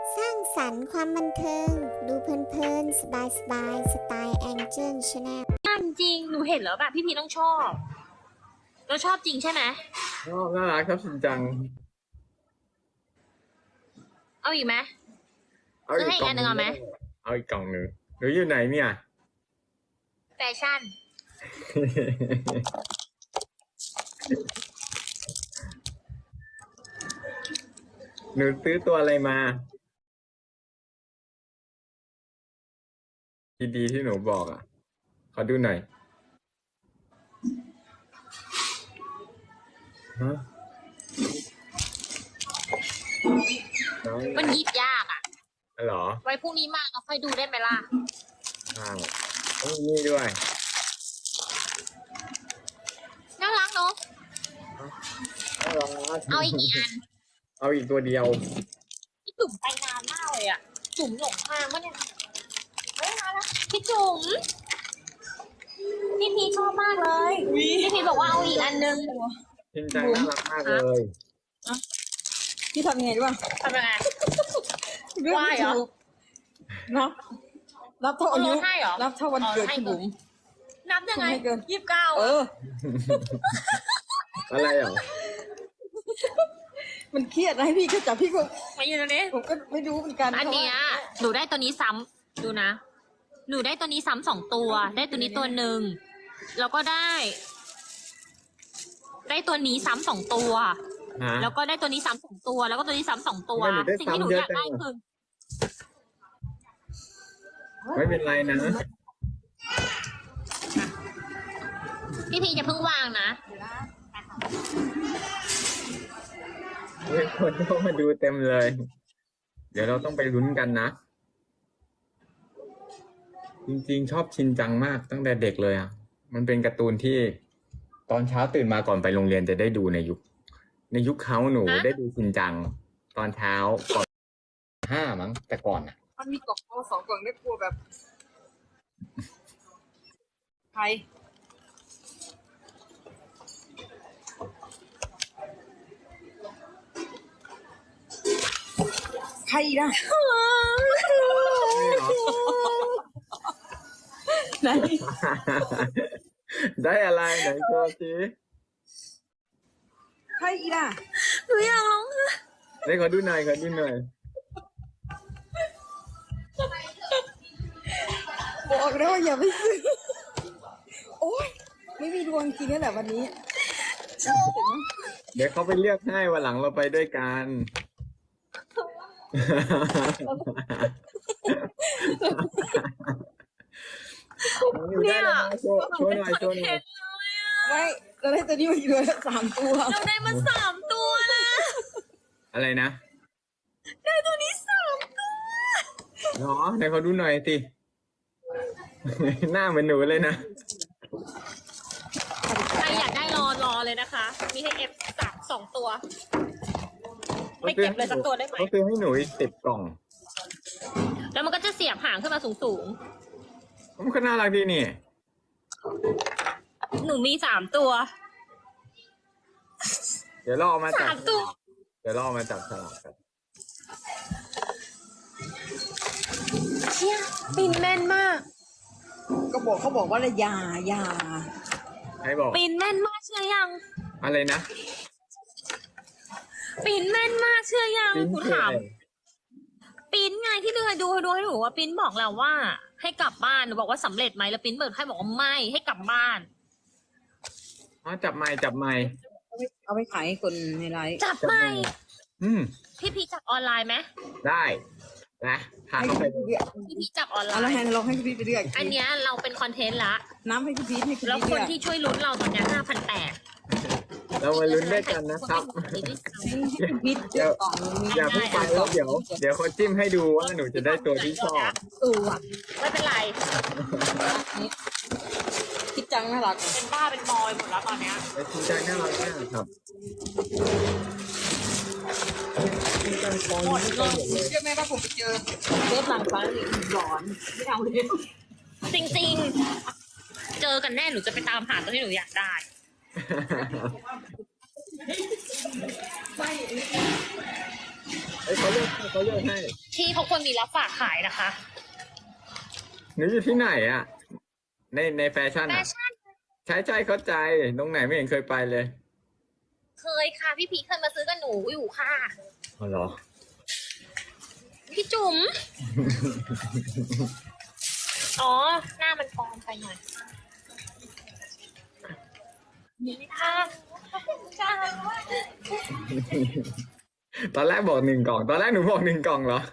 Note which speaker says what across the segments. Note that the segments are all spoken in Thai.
Speaker 1: สร้างสรรค์ความบันเทิง ดูเพลินๆสบายๆสไตล์แองเจิลชาแนล
Speaker 2: จริงหนูเห็นแล้วแบบพี่ต้องชอบแล้วชอบจริงใช่ไหม
Speaker 3: น่ารักครับชินจัง
Speaker 2: เอาอีกไหม
Speaker 3: เอา
Speaker 2: ซื้อให้อีกอันหนึ่งเอาไหม
Speaker 3: เอาอีกกล่องหนึ่งหนูอยู่ไหนเนี่ย
Speaker 2: แฟชั่น
Speaker 3: หนูซื้อตัวอะไรมาดีๆที่หนูบอกอ่ะขอดูหน่อยฮะ
Speaker 2: มันหยิบยากอ่ะ
Speaker 3: เหรอ
Speaker 2: ไว้พรุ่งนี้มาเราค่อยดูได้ไหมล่ะ
Speaker 3: ต้องนี่ด้วย
Speaker 2: น่ารักเนาะเอาอีกกี่อัน
Speaker 3: เอาอีกตัวเดียว
Speaker 2: พี่จุ๋มไปนานมากเลยอ่ะจุ๋มหลงทางวะเนี่ยเฮ้ยมาแล้วพี่จุ๋มพี่พีชอบมากเลยพี่พีบอกว่าเอาอีกอันนึง
Speaker 3: ชินจังน่ารักมากเลย
Speaker 4: พี่ทำยังไงรู้ป่ะ
Speaker 2: ทำยังไงว่าเหรอ
Speaker 4: นับเท่าอายุนับเท่าวันเกิดคุณบุ๋ม
Speaker 2: นับยังไง29
Speaker 3: อะไรอ่ะ
Speaker 4: มันเครียดนะให้พี่ก็จับพี่ก็
Speaker 2: มาอยู่ตรงนี้
Speaker 4: ผมก็ไม่รู้เหมือนกัน
Speaker 2: อันเนี้ยหนูได้ตัวนี้ซ้ำดูนะหนูได้ตัวนี้ซ้ำ2ตัวได้ตัวนี้ตัวหนึ่งแล้วก็ได้ตัวนี้ซ้ำ2ตัวแล้วก็ได้ตัวนี้ซ้ำ2ตัวแล้วก็ตัวนี้ซ้ำ2ตัวสิ่งที่หนูอยากได้คือ
Speaker 3: ไม่เป็นไรนะ
Speaker 2: พี่พีจะเพิ่งวางนะ
Speaker 3: คนเข้ามาดูเต็มเลย เดี๋ยวเราต้องไปลุ้นกันนะจริงๆชอบชินจังมากตั้งแต่เด็กเลยอ่ะมันเป็นการ์ตูนที่ตอนเช้าตื่นมาก่อนไปโรงเรียนจะได้ดูในยุคเขาหนูได้ดูชินจังตอนเช้าก่อน5มั้งแต่ก่อนอ่ะ
Speaker 4: มันมีกล่องโต2กล่องได้กลัวแบบใครนะไหน
Speaker 3: ได้อะไรไหนตัวสิ
Speaker 4: ใครล่ะ
Speaker 2: หนูอยากร้อง
Speaker 3: ได้ขอดูหน่อย
Speaker 4: บอกแล้วว่าอย่าไปซื้อโอ๊ยไม่มีดวงจริงนั่นแหละวันนี้
Speaker 3: เดี๋ยวเขาไปเลือกให้วันหลังเราไปด้วยกัน
Speaker 2: เนี่ย
Speaker 3: โชว์หน่อย
Speaker 4: ไม่เราได้ตัวนี้มาอีกเลย3 ตัว
Speaker 2: เราได้มา3 ตัวนะ
Speaker 3: อะไรนะ
Speaker 2: ได้ตัวนี้3 ตัว
Speaker 3: เนาะไหนเขาดูหน่อยสิหน้าเหมือนหนูเลยนะ
Speaker 2: ใครอยากได้รอเลยนะคะมีให้2 ตัวไม่เก็บเลยสักตัวได้ไหม
Speaker 3: เขาซื้อให้หนูอีก10 กล่อง
Speaker 2: แล้วมันก็จะเสียบหางขึ้นมาสูง
Speaker 3: มันก็น่ารักดีนี่
Speaker 2: หนูมี3 ตัว
Speaker 3: เดี๋ยวเราเอามาจับ
Speaker 2: 3 ตัว
Speaker 3: เดี๋ยวเราเอามาจับฉลากกัน
Speaker 2: เชี่ยปินแม่นมาก
Speaker 4: เขาบอกว่าอย่า
Speaker 3: ใครบอก
Speaker 2: ปินแม่นมากเชื่อยัง
Speaker 3: อะไรนะ
Speaker 2: ปินแม่นมากเชื่อยังคุณถามปินไงที่ดูให้หนูว่าปินบอกแล้วว่าให้กลับบ้านหนูบอกว่าสำเร็จไหมแล้วปินเปิดให้บอกว่าไม่ให้กลับบ้าน
Speaker 3: จับไม้
Speaker 4: เอาไปขายให้คนในไลฟ์
Speaker 2: จับไม้พี่จับออนไลน์ไหม
Speaker 3: ได้นะพาเขาไป
Speaker 2: พี่จับออนไลน์
Speaker 4: แล้วเราให้พี่ไปเลือก
Speaker 2: อันเนี้ยเราเป็นคอนเทนต์ละ
Speaker 4: น้ำให้พี่พีท
Speaker 2: แล้วคนที่ช่วยลุ้นเราตอนนี้5,800
Speaker 3: เรามาลุ้นด้วยกันนะครับอย่าเพิ่งไปแล้วเดี๋ยวเขาจิ้มให้ดูว่าหนูจะได้ตัวที่ชอบ
Speaker 2: ไม่เป็นไร
Speaker 4: คิดจังน่ารัก
Speaker 2: เป็นบ้าเป็นบอยหมดแล้วตอนเนี้ย
Speaker 3: คิดจังน่ารักมากครับ
Speaker 2: หมดเลย
Speaker 4: เชื่อไหมว่าผมไปเจอเทปหลังฟ้าหลอนไม่เอาเลย
Speaker 2: จริงๆเจอกันแน่หนูจะไปตามหาตัวที่หนูอยากได้
Speaker 4: ไม่
Speaker 3: เอ้ยเขาเลือกให้เขาเลือกให้
Speaker 2: ที่เขาควรมีรับฝากขายนะคะ
Speaker 3: หนูอยู่ที่ไหนอ่ะ ในแฟชั่น
Speaker 2: แฟ
Speaker 3: อ่ะ
Speaker 2: ชั่น
Speaker 3: ใช่เข้าใจตรงไหนไม่เห็นเคยไปเลย
Speaker 2: เคยค่ะพี่พีเคยมาซื้อกับหนูอยู่ค่ะ
Speaker 3: อ๋อเหรอ
Speaker 2: พี่จุ๋ม อ๋อ หน้ามันปลอมไปหน่อยนี่ค่ะจ้า
Speaker 3: ตอนแรกบอก1 กล่อง ตอนแรกหนูบอก1 กล่องเหรอ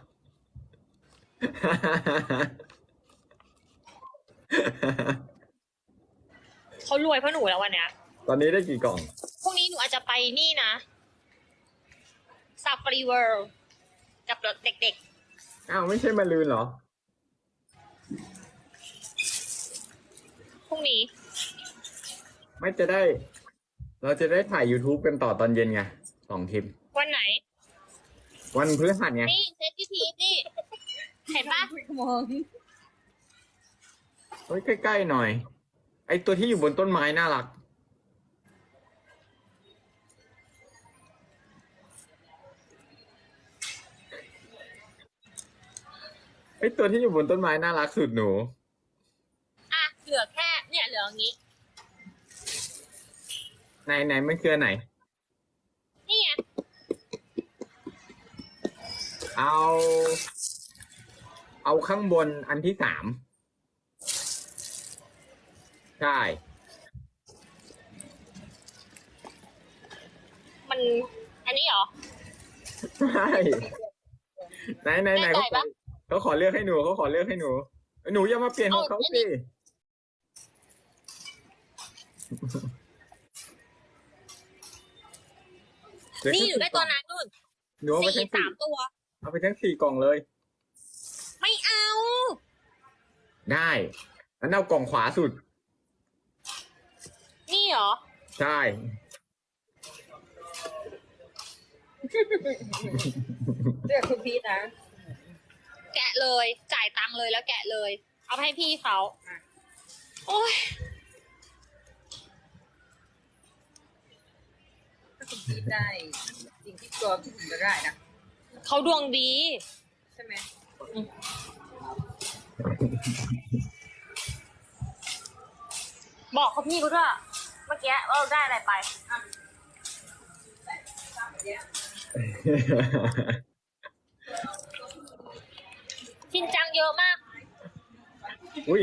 Speaker 2: เขารวยเพราะหนูแล้ววันเนี้ย
Speaker 3: ตอนนี้ได้กี่กล่อง
Speaker 2: พรุ่งนี้หนูอาจจะไปนี่นะซาฟารีเวิลด์กับเด็ก
Speaker 3: อ้าวไม่ใช่มาลืนเหรอ
Speaker 2: ๆ พรุ่งนี้
Speaker 3: ไม่จะได้ เราจะได้ถ่าย YouTube กันต่อตอนเย็นไง2 คลิป
Speaker 2: วันไหน
Speaker 3: วันพฤหัสไง
Speaker 2: นี่เซตพี่พีชนี่ เห็นปะ
Speaker 4: มอง
Speaker 3: เฮ้ยใกล้ๆหน่อย ไอตัวที่อยู่บนต้นไม้น่ารัก ไอตัวที่อยู่บนต้นไม้น่ารักสุดหนู
Speaker 2: อ่ะ เหลือแค่ เนี่ยเหลืออย่างนี้
Speaker 3: ไหนมันคืออนไหน
Speaker 2: นี่ไง
Speaker 3: เอาข้างบนอันที่3ใช่
Speaker 2: มัน อันนี้เหรอ
Speaker 3: ใช่ไหน
Speaker 2: แน่ใจปะ
Speaker 3: เขาขอเลือกให้หนูเขาขอเลือกให้หนูหนูอย่ามาเปลี่ยนของเขา
Speaker 2: เอาอัน
Speaker 3: สิ
Speaker 2: นี้ นี่อยู่ได้ตัวนั้นนู่น
Speaker 3: หนูเอาไปทั้ง
Speaker 2: 3 ตัว
Speaker 3: เอาไปทั้ง4 กล่องเลย
Speaker 2: ไม่เอา
Speaker 3: ได้งั้นเอากล่องขวาสุด
Speaker 2: นี่เหรอ
Speaker 3: ใช่
Speaker 4: เลือกคุณพีทนะ
Speaker 2: แกะเลย จ่ายตังค์เลยแล้วแกะเลย เอาไปให้พี่เขา โอ้ย
Speaker 4: ถ้าคุณพีทได้สิ่งที่ตัวพี่ผมจะได้นะ
Speaker 2: เขาดวงดี
Speaker 4: ใช่ไหม
Speaker 2: บอกเขาพี่เขาด้วยเมื่อกี้ว่าเราได้อะไรไปอ่ะชินจังเยอะมาก
Speaker 3: อุ้ย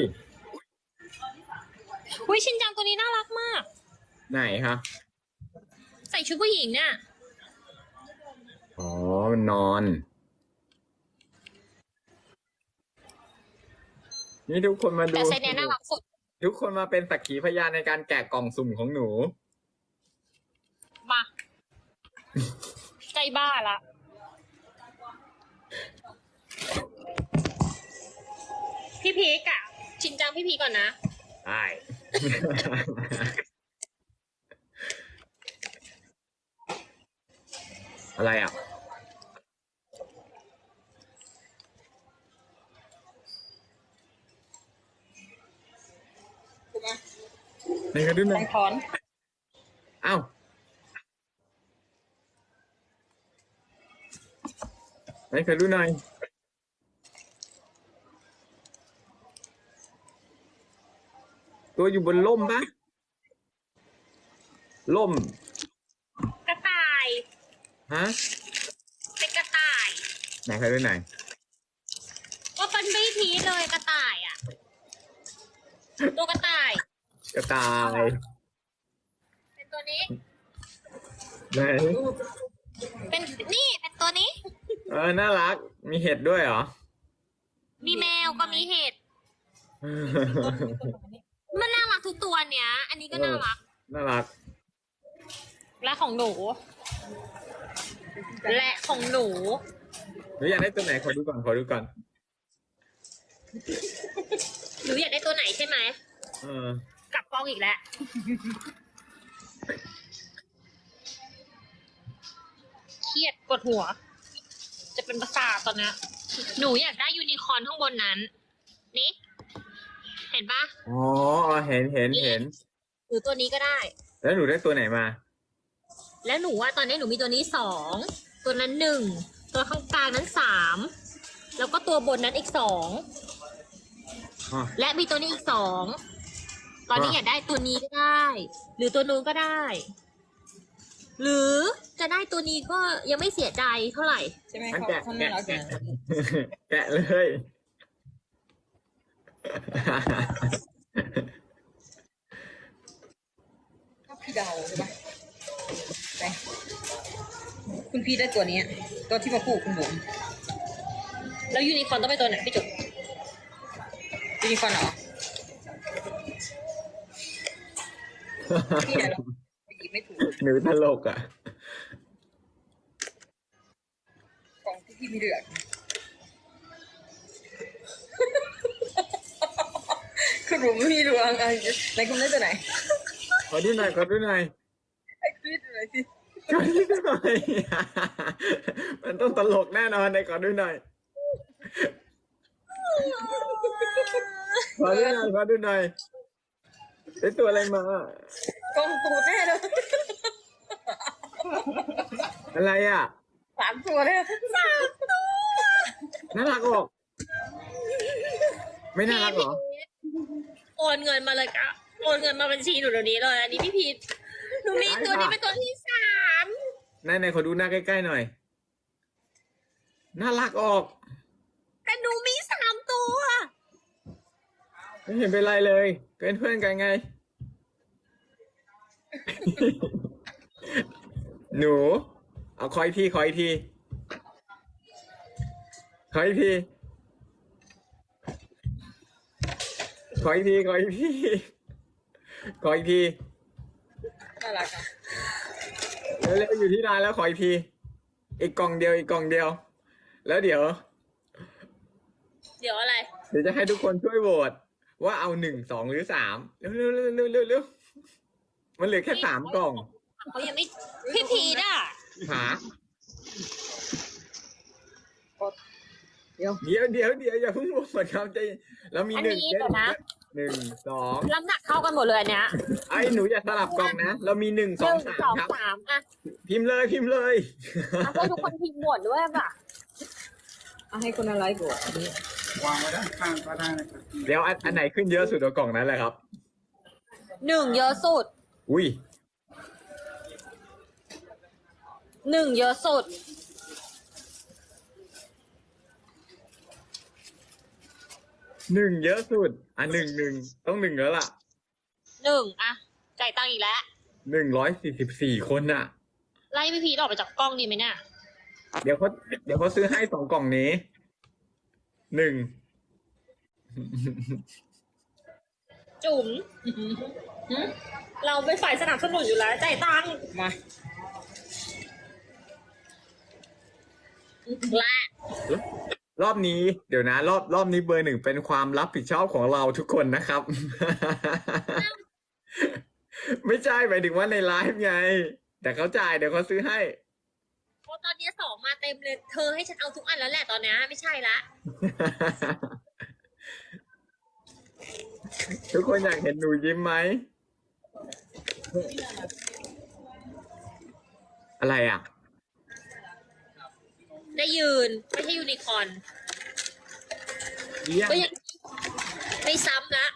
Speaker 2: อุ้ยชินจังตัวนี้น่ารักมาก
Speaker 3: ไหนคะ
Speaker 2: ใส่ชุดผู้หญิงเนี่ย
Speaker 3: อ๋อมันนอน นี่ทุกคนมาดู
Speaker 2: แต่ไซเนี้ยน่ารักสุด
Speaker 3: ทุกคนมาเป็นสักขีพยานในการแกะกล่องสุ่มของหนู
Speaker 2: มา ใจบ้าละ พี่พีกอะชินจังพี่พีกก่อนนะ
Speaker 3: ใช่ อะไรอ่ะ
Speaker 4: ถูกไหม
Speaker 3: ไหนกันดูหน่
Speaker 4: แต
Speaker 3: อย
Speaker 4: งถอน
Speaker 3: อ้าวไหนเคยดูหน่อย ตัวอยู่บนล่มปะล่ม
Speaker 2: กระต่าย
Speaker 3: ฮะ
Speaker 2: เป็นกระต่าย
Speaker 3: ไหนเคยดูหน่อย
Speaker 2: ก็เป็นพี่พีชเลยกระต่ายอะตัวกระต่าย
Speaker 3: กระต่าย
Speaker 2: เป็นตัวนี้
Speaker 3: ไหน
Speaker 2: เป็นนี่เป็นตัวนี้
Speaker 3: น่ารัก มีเห็ดด้วยเหรอ
Speaker 2: มีแมวก็มีเห็ด มันน่ารักทุกตัวเนี้ย อันนี้ก็น่ารัก
Speaker 3: น่ารัก
Speaker 2: และของหนู และของหนู
Speaker 3: หนูอยากได้ตัวไหนขอดูก่อน ขอดูก่อน
Speaker 2: หนูอยากได้ตัวไหนใช่ไหม
Speaker 3: เออ
Speaker 2: กลับกล้องอีกแล้ว เครียดปวดหัว จะเป็นประสาทตอนเนี้ยหนูอยากได้ยูนิคอร์นข้างบนนั้น นี่ เห็นปะ
Speaker 3: อ๋อ เห็น
Speaker 2: หรือตัวนี้ก็ได้
Speaker 3: แล้วหนูได้ตัวไหนมา
Speaker 2: แล้วหนูว่าตอนนี้หนูมีตัวนี้2 ตัวนั้น1 ตัวข้างกลางนั้น3แล้วก็ตัวบนนั้นอีก2
Speaker 3: อ่ะ
Speaker 2: และมีตัวนี้อีก2ตอนนี้อยากได้ตัวนี้ก็ได้ หรือตัวนู้นก็ได้ หรือจะได้ตัวนี้ก็ยังไม่เสียใจเท่าไหร่
Speaker 4: ใช่ไหม
Speaker 3: งั้น
Speaker 4: เขา
Speaker 3: แกะ
Speaker 4: เขาน่ารัก
Speaker 3: แกะ
Speaker 4: นะ
Speaker 3: แกะเลย
Speaker 4: ชอบพี่เดาใช่ปะไปคุณพี่ได้ตัวนี้ตัวที่มาคู่คุณบุ๋ม
Speaker 2: แล้วยูนิคอร์นต้องไปตัวไหนพี่จุ๊บ
Speaker 4: ยูนิคอร์นเหรอพี่เดาไม่ถูก
Speaker 3: หนูตลกอ่ะ
Speaker 4: กล่องที่พี่ไม่เลือกคุณบุ๋มไม่มีดวงอะไรไหนคุณได้ตัวไหน
Speaker 3: ขอดูหน่อยขอดูหน่อย
Speaker 4: ให้คุณได้ตัวไหนสิ
Speaker 3: ขอดูหน่อย มันต้องตลกแน่นอนเลยขอดูหน่อยขอดูหน่อยขอดูหน่อยได้ตัวอะไรมาก
Speaker 4: ล่องตูดแน่เลย
Speaker 3: อะไรอ่ะ
Speaker 4: 3 ตัวเลย
Speaker 3: น่ารักออก ไม่น่ารักเหรอ
Speaker 2: โอนเงินมาเลยกะโอนเงินมาบัญชีหนูเดี๋ยวนี้เลยอันนี้พี่พีทหนูมีตัวนี้เป็นตัวที่3
Speaker 3: ไหนขอดูหน้าใกล้ๆหน่อย น่ารักออก
Speaker 2: แต่หนูมี3ตัว
Speaker 3: ไม่เห็นเป็นไรเลย เป็นเพื่อนกันไง หนู เอาคอยทีคอยทีคอยทีคอยทีคอยทีคอยที
Speaker 4: น่ารักอ่ะ
Speaker 3: เร็วๆอยู่ที่ร้านแล้วคอยทีอีกกล่องเดียวอีกกล่องเดียว แล้วเดี๋ยว
Speaker 2: เดี๋ยวอะไร
Speaker 3: เดี๋ยวจะให้ทุกคนช่วยโหวตว่าเอา1 2 หรือ3เร็วๆเร็วๆมันเหลือแค่3 กล่อง
Speaker 2: เขายังไม่พี่พีทอ่ะ
Speaker 3: หา
Speaker 4: เดี๋ยว
Speaker 3: เดี๋ยวอย่าเพิ่งโหวตครับใจเรามี
Speaker 2: อัน
Speaker 3: หนึ่ง
Speaker 2: นี้เดี๋ยวนะ
Speaker 3: 1 2
Speaker 2: น้ำหนักเท่ากันหมดเลยอันเนี้ย
Speaker 3: ไอ้หนูอย่าสลับกล่องนะ เรามี1
Speaker 2: หนึ่ง
Speaker 3: 2
Speaker 2: สอง
Speaker 3: 3ครับ
Speaker 2: 3อ่ะ
Speaker 3: พิมพ์เลย
Speaker 2: เอาให้ทุกคนพิมพ์หมดด้วยป่ะ
Speaker 4: เอาให้คนอะไรก่อนอันนี้
Speaker 5: วางไว้ด้านข้างก็ได้นะครับ
Speaker 3: เดี๋ยวอันไหนขึ้นเยอะสุดเอากล่องนั้นแหละครับ
Speaker 2: 1เยอะสุด
Speaker 3: อุ้ย
Speaker 2: 1เยอะสุด
Speaker 3: 1เยอะสุด1ต้อง1แล้วล่ะ
Speaker 2: 1อ่ะจ่ายตังค์อีกแล้ว
Speaker 3: 144 คนน่ะ
Speaker 2: ไล่พี่พีทออกไปจากกล้องดีไหมเนี่ย
Speaker 3: เดี๋ยวเขาซื้อให้2 กล่องนี้1
Speaker 2: จุ๋มเราเป็นฝ่ายสนับสนุนอยู่แล้วจ่ายตังค์
Speaker 4: มา
Speaker 2: และ
Speaker 3: รอบนี้เดี๋ยวนะรอบนี้เบอร์ 1เป็นความรับผิดชอบของเราทุกคนนะครับ ไม่ใช่หมายถึงว่าในไลฟ์ไง แต่เขาจ่ายเดี๋ยวเขาซื้อให้
Speaker 2: เพราะตอนนี้2มาเต็มเลย เธอให้ฉันเอาทุกอันแล้วแหละตอนนี้ไม่ใช่ละ
Speaker 3: ทุกคนอยากเห็นหนูยิ้มไหม อะไรอ่ะ
Speaker 2: ได้ยืนไม่ใช่ยูนิคอร์น
Speaker 3: เยี่ยม
Speaker 2: ก็ยังไม่ซ้ำละ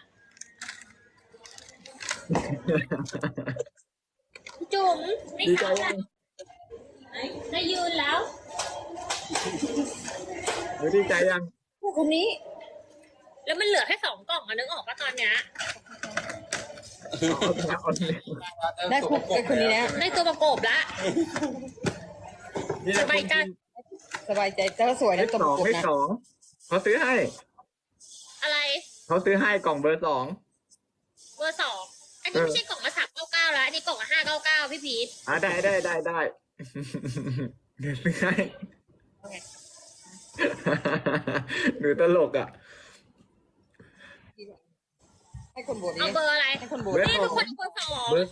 Speaker 2: จุ๋มไม่
Speaker 3: ดีใจ
Speaker 2: ซ้ำ
Speaker 3: ยั
Speaker 2: ละ
Speaker 3: ง
Speaker 2: ได้ยืนแล้ว
Speaker 3: หนูดีใจยัง
Speaker 4: ผู้คนนี้
Speaker 2: แล้วมันเหลือแค่2 กล่องอะนึกออกปะตอนเนี้ย
Speaker 3: เอาเลย
Speaker 4: ได้คนนี้แล้ว
Speaker 2: ได้ตัวประกบละ
Speaker 3: นี่แห
Speaker 2: ส
Speaker 3: ละ
Speaker 2: บายใจ
Speaker 4: สบายใจแต่ว่าสวย
Speaker 3: ให้
Speaker 4: นะตัว
Speaker 3: ส
Speaker 4: ป
Speaker 3: อง
Speaker 4: ระกบ
Speaker 3: ให้
Speaker 4: นะ
Speaker 3: สองเขาซื้อให้
Speaker 2: อะไร
Speaker 3: เขาซื้อให้กล่องเบอร์ 2
Speaker 2: เบอร์ 2 อันนี้ไม่ใช่กล่องละ399แล้วอันนี้กล่องละ599พี่พีท
Speaker 3: ได้เดี๋ยวซื้อให้ หนูตลกอ่ะ
Speaker 4: ให้คนโบด
Speaker 2: เอา
Speaker 4: นี้
Speaker 2: เบอร์อะไร
Speaker 4: ให้คนโบด
Speaker 3: เบอร์
Speaker 2: นี่ทุกคนเบอร์
Speaker 3: เบอร์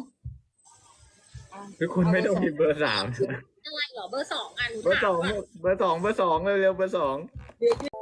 Speaker 3: 2ทุกคนไม่ต้องพิมพ์เบอร์ 3
Speaker 2: 2อะไรเหรอเบอร์ 2อ่ะหนู
Speaker 3: เบอร์
Speaker 2: ถาม
Speaker 3: 2
Speaker 2: ว่า
Speaker 3: เบอร์ 2เร็วๆเบอร์ 2